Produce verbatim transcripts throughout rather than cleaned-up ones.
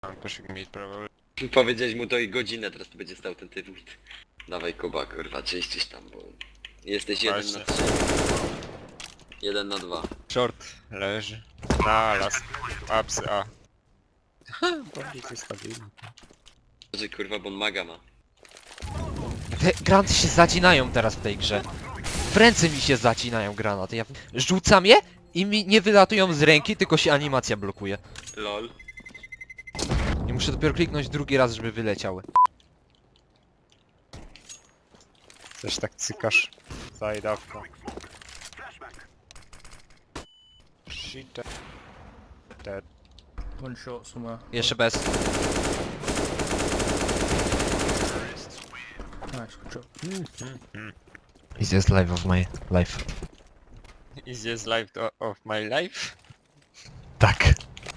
I'm pushing mid probably. Powiedziałeś mu to i godzinę, teraz to będzie stał ten typ. Dawaj Kuba, kurwa, czyścisz tam, bo... Jesteś jeden na Właśnie. trzy. Jeden na dwa. Short leży. Na las. Apsy A. Bardziej to stabilny. Że kurwa, bo on maga ma. Te granty się zacinają teraz w tej grze. W ręce mi się zacinają granaty. Ja rzucam je i mi nie wylatują z ręki, tylko się animacja blokuje. Lol. I muszę dopiero kliknąć drugi raz, żeby wyleciały. Coś tak cykasz. Zajdawka. Shit. Dead. One shot somewhere. Jeszcze bez. Nice, good job. Easiest life of my life. Easiest life o- of my life? Tak.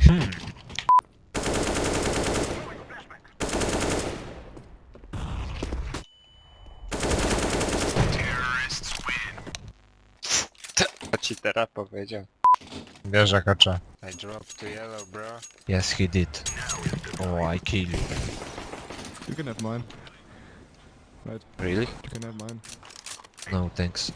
Co ci teraz powiedział? Bierze kacza. I dropped to yellow, bro. Yes, he did. Oh, I kill you. You can have mine. Really? You can have mine. No, thanks.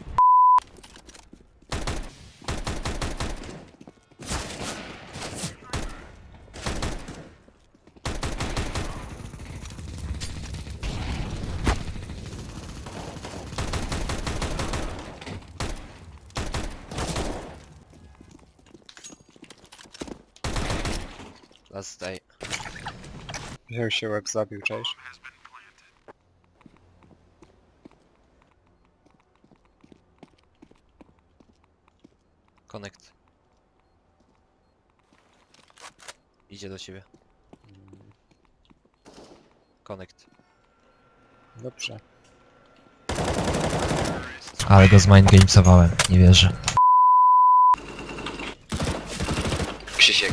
Last day. Wziął się łeb zabił, cześć. Connect. Idzie do ciebie. Connect. Dobrze. Ale go zmindgamesowałem, nie wierzę. Krzysiek.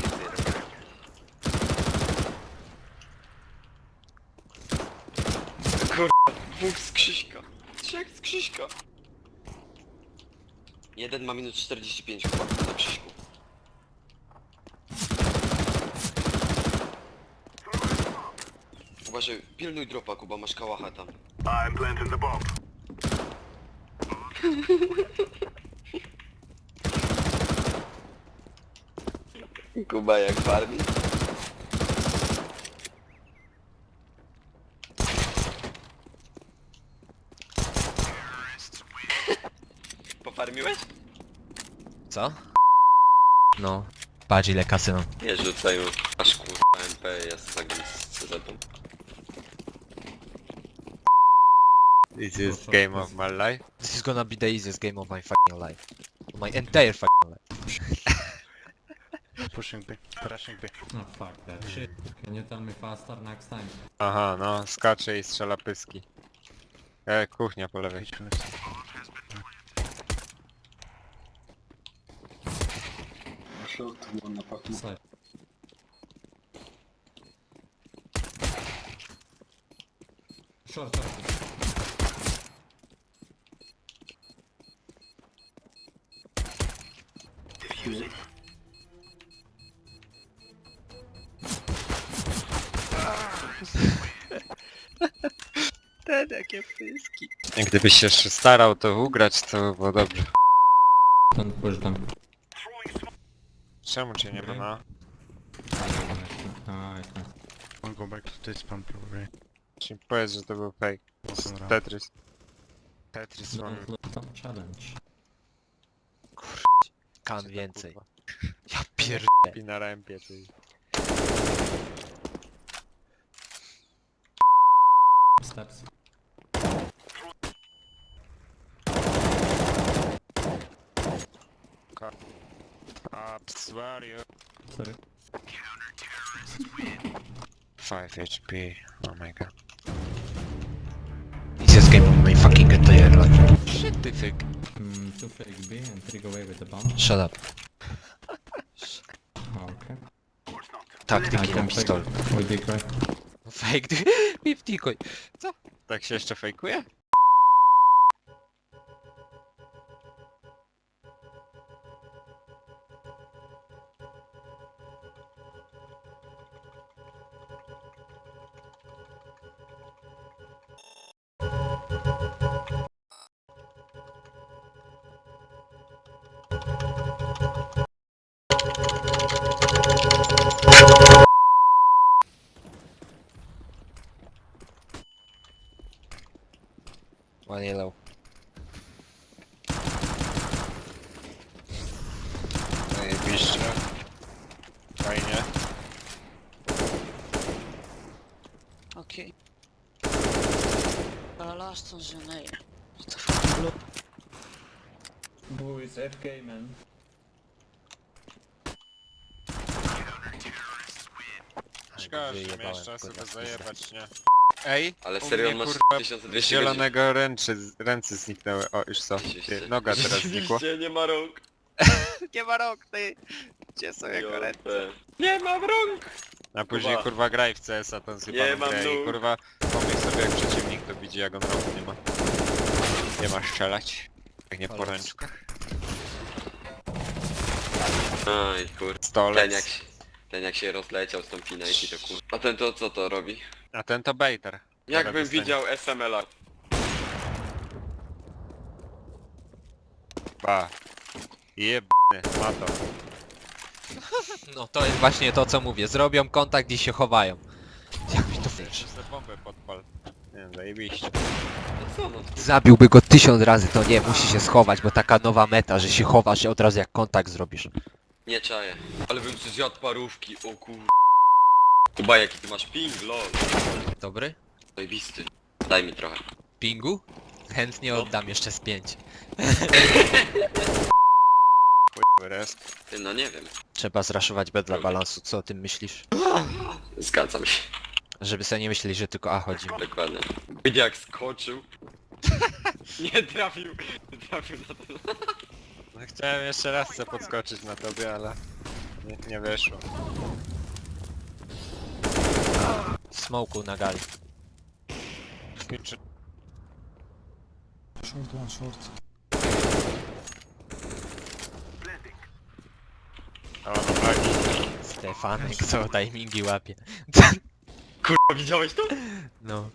Kurwa, dwóch z Krzyśka. Trzech z Krzyśka. Jeden ma minut czterdzieści pięć chyba na Krzyśku. Uważaj, pilnuj dropa, Kuba, masz kałacha tam. Kuba jak farmi. Pofarmiłeś? Co? No. Patrz ile kasy mam. Nie rzucaj mu. Aż kurwa M P, ja z tagiem z C Z-ą. Easiest game of my life. This is gonna be the easiest game of my fucking life. My entire fucking life. Pushing B. Rushing B. No fuck that shit. Can you tell me faster next time? Aha, no, skacze i strzela pyski. E, kuchnia po lewej. Side. Short, short. Te takie pyski. Gdybyś się jeszcze starał to ugrać, to było dobrze. Don't push them. Czemu cię nie ma na? Ah, okay. I'll go back to this pump probably. Czy powiedz, że to był fake. Walking around. Tetris. Tetris one. Don't lose some challenge. Kan więcej. Ja pier... I na rampie, czyli. Steps. Ups, warrior. Sorry. five H P. Oh my god. Easiest game of my fucking entire life. Shit, ty fake. Mm, two fake B and three go away with the bomb. Shut up. Oh, okay. Taktyki na pistol. We big right. Fake, ty... Piptikoj. Co? Tak się jeszcze fejkuje? One yellow. Zajebiście. Fajnie. Okay. Uh, last one's your name. What the fuck? Look. Boo is F K, man. Szkoda, że nie Wyjebałem miałeś czasu go go na zajebać, nie? Ej, Ale u serio mnie, masz kurwa, tysiąc z dwieście godzin. zielonego ręczy, ręce zniknęły. O, już co? Ty, noga teraz znikła. Rzeczywiście, nie ma rąk. Nie ma rąk, ty! Gdzie są jego ręce? Jopę. Nie mam rąk! A później Kuba. kurwa graj w C S a tą sypaną Nie mam grę i nóg. kurwa pomyśl sobie jak przeciwnik to widzi jak on rąk nie ma. Nie ma strzelać. Jak nie po Ale- ręczkach. Aj kur... Ten Stolec. jak, się, ten jak się rozleciał z tą Finity to kur... A ten to co to robi? A ten to baiter. Jakbym dostanie. widział S M L a. Ba. Jebny, ma to. No to jest właśnie to co mówię. Zrobią kontakt i się chowają. Jak mi to wiesz? Jeszcze sobie bombę podpal. Nie wiem, zajebiście. No co no? Zabiłby go tysiąc razy, to nie, musi się schować, bo taka nowa meta, że się chowasz i od razu jak kontakt zrobisz. Nie czaję. Ale bym ci zjadł parówki, o kur... Kuba jaki ty masz ping, lol. Dobry? Zajebisty. Daj mi trochę. Pingu? Chętnie No. oddam jeszcze z pięć. Chuj, rest. Ty no nie wiem. Trzeba zraszować B dla balansu, co o tym myślisz? Zgadzam się. Żeby sobie nie myśleli, że tylko A chodzi. Dokładnie. Widz jak skoczył. Nie trafił. Nie trafił na ten. No, chciałem jeszcze raz chcę podskoczyć na tobie, ale nie, nie wyszło. Smoku na gali. Skończy... Short one, short. O, no flagi. Stefanek, co timingi łapie. Kurwa widziałeś to? No.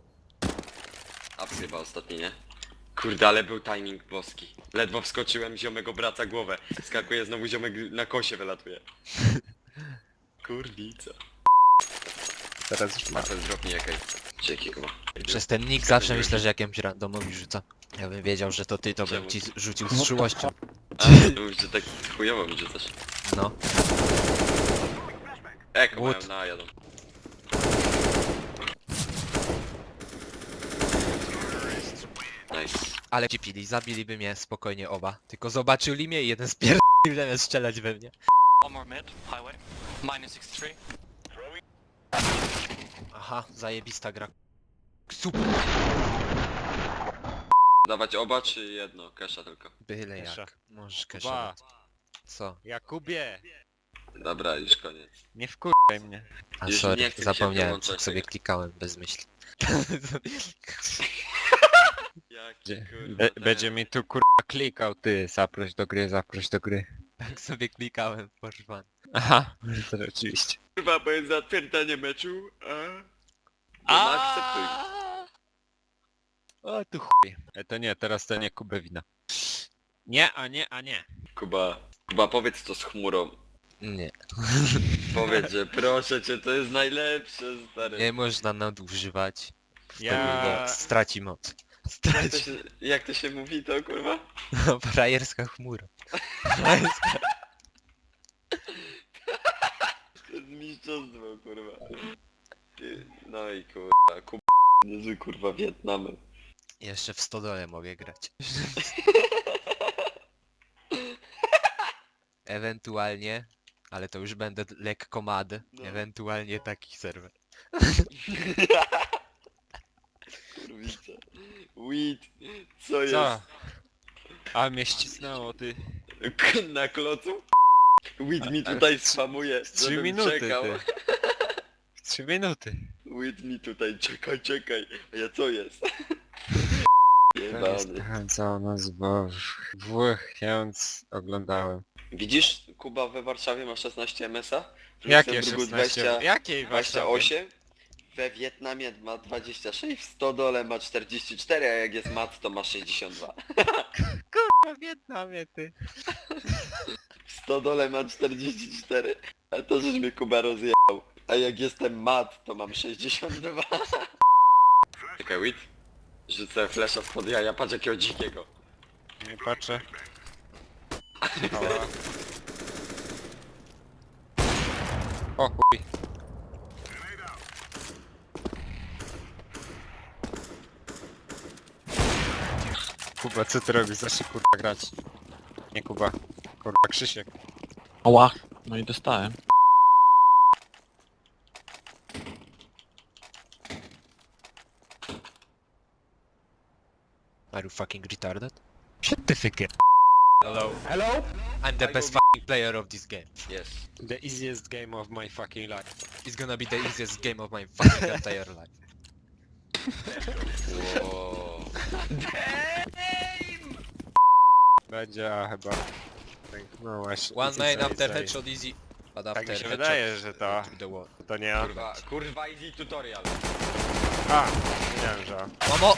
A chyba ostatni, nie? Kurde, ale był timing boski. Ledwo wskoczyłem, ziomek obraca głowę. Skakuje znowu ziomek na kosie wylatuje. Kurwica. Teraz już ma. Marcel drop mi jakaj. Dzięki Kuba. Przez ten nick zawsze myślę, że jakimś randomowi rzuca. Ja bym wiedział, że to ty, to bym Czemu? ci rzucił z czułością. A, mówisz, że tak chujowo mi rzucasz. No. Eko mają Wood. na jadą. Nice. Ale ci pili, zabiliby mnie spokojnie oba. Tylko zobaczyli mnie i jeden spierdolił zamiast strzelać we mnie. One more mid, highway. Minus sixty-three. Aha, zajebista gra. Super. Dawać oba czy jedno? Kesha tylko. Byle Kesha. jak. Możesz Kuba. keszować. Co? Jakubie! Dobra, już koniec. Nie wkurwaj mnie. A Już nie sorry, chce mi się zapomniałem, wyłączać tak sobie tego. klikałem bez myśli. Jaki Będzie, kurwa be, ten- będzie mi tu kurwa klikał, ty. Zaproś do gry, zaproś do gry. Tak sobie klikałem, proszę pan. Aha, to rzeczywiście. Kurwa, bo jest zatwierdzenie meczu, a... No akceptuj. O tu chuj. E, to nie, teraz to nie Kubę wina. Nie, a nie, a nie. Kuba, Kuba powiedz to z chmurą. Nie. Powiedz, że proszę cię, to jest najlepsze, stary. Nie można nadużywać. Ja... Straci moc. Jak to, Straci. się, jak to się mówi to, kurwa? Frajerska chmura. To jest mistrzostwo, kurwa. Ty, no i kurwa, Kuba, niezły kurwa Wietnamem. Jeszcze w stodole mogę grać. Ewentualnie, ale to już będę lekko mad, No. ewentualnie taki serwer. Kurwica. Weed, co jest? Co? A mnie ścisnęło, ty. K- Na klocu? Weed mi tutaj spamuje, Trzy żebym minuty, czekał. ty. Trzy minuty. Weed mi tutaj, czekaj, czekaj. A ja co jest? Jebany. Co nas bo włóchiąc oglądałem. Widzisz, Kuba we Warszawie ma szesnaście M S a? W Jakie Luksemburgu szesnaście? dwadzieścia, Jakiej dwadzieścia Warszawie? osiem? We Wietnamie ma dwadzieścia sześć, w Stodole ma czterdzieści cztery, a jak jest mat to ma sześćdziesiąt dwa. W Wietnamie, ty. W Stodole ma czterdzieści cztery, a to żeś mnie Kuba rozjechał. A jak jestem mat to mam sześćdziesiąt dwa. Czekaj, Wit? Rzucę flesza spod jaja, patrz jakiego dzikiego. Nie patrzę. Ała. O chuj. Kuba, co ty robisz? Zacznij kurwa grać. Nie Kuba. Kurwa, Krzysiek. Ała, no i dostałem. Are you fucking retarded? Certificate. Hello. Hello? I'm the I best go- fucking player of this game. Yes. The easiest game of my fucking life. It's gonna be the easiest game of my fucking entire life. Wow. Będzie, a chyba... Tak, no właśnie. One easy main say, after say. headshot easy. But Tak after mi się headshot wydaje, że to... to the wall. To nie on. Kurwa, kurwa easy tutorial. A! Wiedziałem, że... Mamo!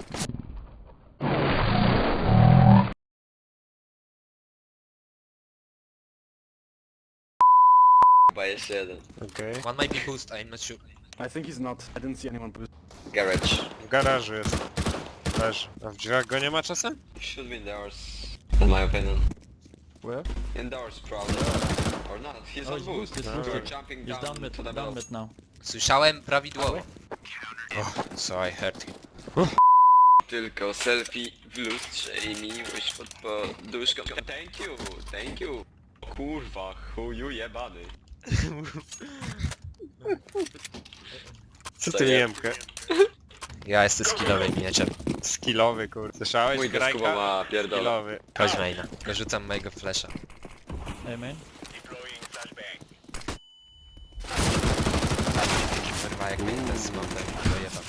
Chyba jeszcze jeden. Okej. One might be boost, I'm not sure. I think he's not. I didn't see anyone boost. Garage. W garażu jest. Leży. A w drzwiach go nie ma czasem? Should be indoors. In my opinion. Where? Indoors probably. Or not. He's Oh, on he's boost. boosted, he's We're boosted. jumping He's down, down mid, to the down middle. mid now. Słyszałem prawidłowo. Oh, so I heard him. Tylko selfie w lustrze i miłość pod poduszką. Thank you, thank you. Kurwa, chuju jebany. Co To ty ja. Niemkę? Ja jestem skillowym mieczem. Skillowy kur... Słyszałeś? Mój do Skuba ma pierdolę. Skillowy. Chodź maina. Dorzucam mojego flasha. Hey man. Kurwa jak mnie ten smoker dojebał.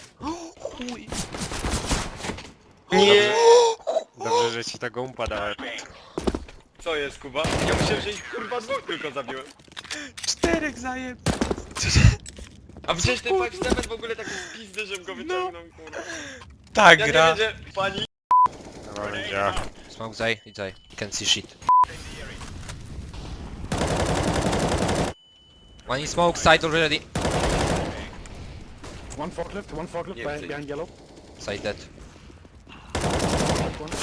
Nie! Dobrze, że ci tego umpa dałem. Co jest, Kuba? Ja myślałem, że ich kurwa dwóch tylko zabiłem. Czterech zajeb... A przecież ten pięć siedem w ogóle taki pizdy, żebym go wyciągnął, kurwa. Tak Ja nie wiem, że pani... No będzie. Smoke zaj, i zaj. Can see shit. One in smoke side already. One forklift, one forklift Yeah, behind, please. behind yellow. Side dead. One.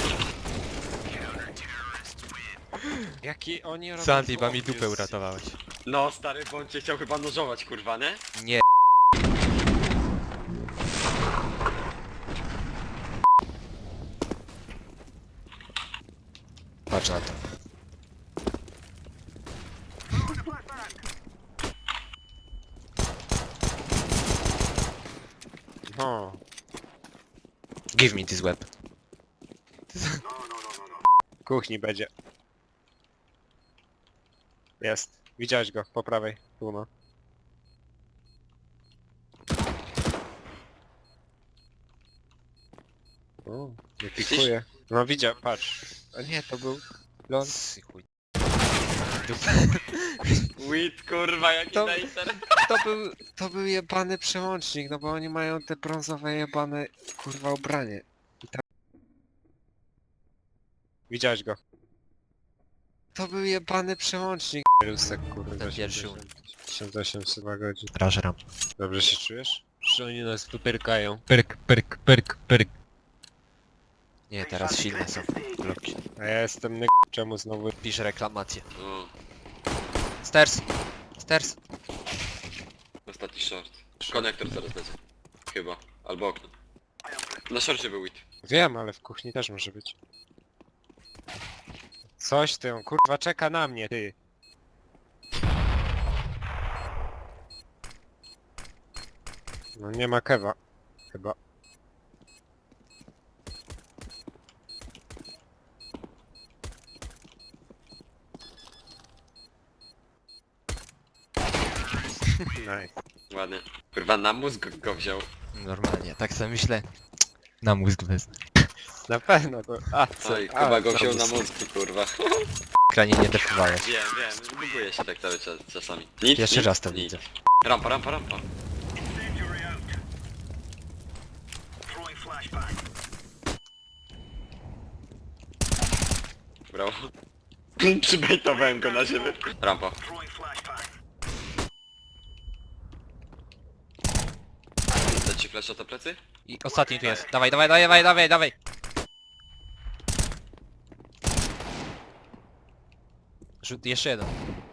Jaki oni robią... Sandy, ba mi chłop, dupę jest- uratowałeś. No stary, bo on cię chciał chyba nożować, kurwa, nie? Nie. Patrz na to. No. Give me this web. W kuchni będzie. Jest. Widziałeś go po prawej. Tu no. O, nie pikuje. No widział, patrz. A nie, to był... Lon. Sy chuj. Wit, kurwa, jaki To- laser. To był, to był jebany przełącznik, no bo oni mają te brązowe jebane, kurwa, ubranie. I tak... Widziałeś go. To był jebany przełącznik. Rusek, kurwa, Ten pierwszy tysiąc osiemset godzin. Rażeram. Dobrze się czujesz? Że oni nas tu pyrkają. Pyrk, pyrk, pyrk, pyrk. Nie, teraz silne są bloki. A ja jestem ny... Czemu znowu... Pisz reklamację. O, Stairs! Stairs! ostatni short. Konektor zaraz będzie. Chyba. Albo okno. Na shorcie był Wit. Wiem, ale w kuchni też może być. Coś ty, on kurwa czeka na mnie, ty. No nie ma kewa. Chyba. Nice. Ładnie. Kurwa, na mózg go wziął. Normalnie, tak sobie myślę. Na mózg wezmę. Na pewno to... A, co? Oj, A, chyba go co wziął to na jest? mózg, kurwa. Kranie nie defowałeś. Wiem, wiem, buguje się tak cały czas, czasami. Nic, Pierwszy nic, raz to nic. widzę. Rampa, rampa, rampa. Brawo. Przybejtowałem go na siebie. Rampa. Leci Flasha to plecy? I ostatni tu jest. Dawaj, dawaj, dawaj, dawaj, dawaj. Rzut, jeszcze jeden.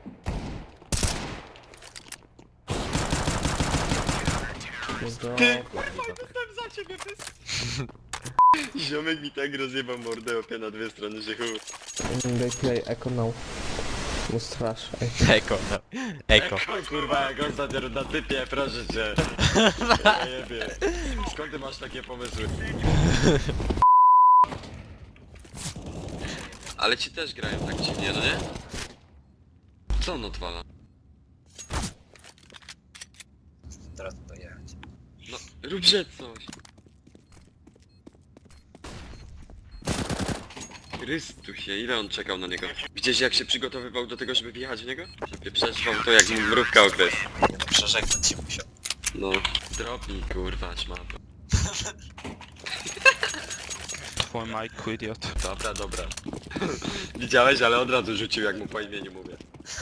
Ty! Za ciebie Ziomek mi tak rozjebał mordę opie na dwie strony, że chuj. They play Echo now. Was trash. Eko, no. Eko. O kurwa, jak ostatnio na typie, proszę cię. Ja jebie. Skąd ty masz takie pomysły? Ale ci też grają tak dziwnie, no nie? Co on odwala? Teraz to jechać. No, róbże coś. Chrystusie, ile on czekał na niego? Widziałeś jak się przygotowywał do tego, żeby wjechać w niego? Żeby przetrwał to jak mu mrówka okres. Nie no, przeżegnać się musiał. No, dropnij kurwa, szmato. Twój Mike, idiot. Dobra, dobra. Widziałeś, ale od razu rzucił jak mu po imieniu mówię.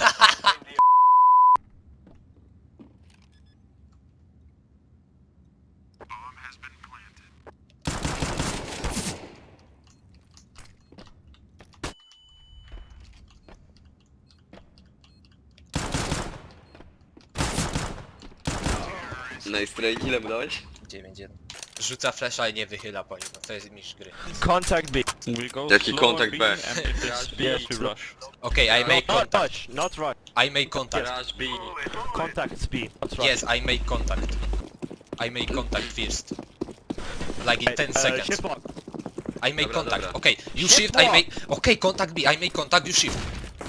Nice try, ile mu dałeś? dziewięć jeden. Rzuca flasha i nie wychyla po nim. No to jest mistrz gry. Contact B. We go Jaki slow kontakt on B? and if it's yes, we rush. Okay, I make Not contact. touch, not rush. I make contact. Crash B. Contact B, not rush. Yes, I make contact. I make contact first. Like in ten Uh, seconds. ship lock. I make Dobra, contact. dobra. Okay, you Ship shift, I lock. make... Okay, contact B, I make contact, you shift.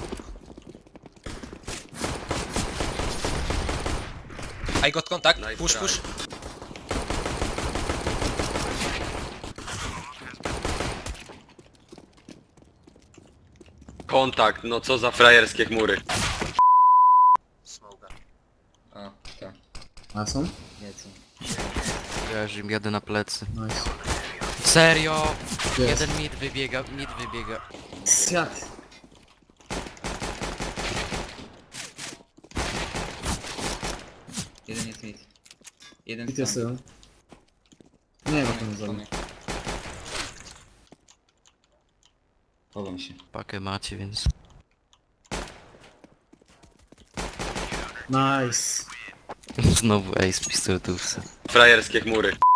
I got contact, Nice push, try. push. Kontakt, no co za frajerskie chmury. Smoga. A, tak. A są? Nie co. Ja już im jadę na plecy. Nice. Serio? Jest. Jeden mid wybiega, mid wybiega. Jak? Jeden jest mid. Jeden I to stąd. są. Nie, bo to nie zrobię. Chowam się. Pakę macie, więc... Nice. Znowu ace pistoletówce. Frajerskie chmury.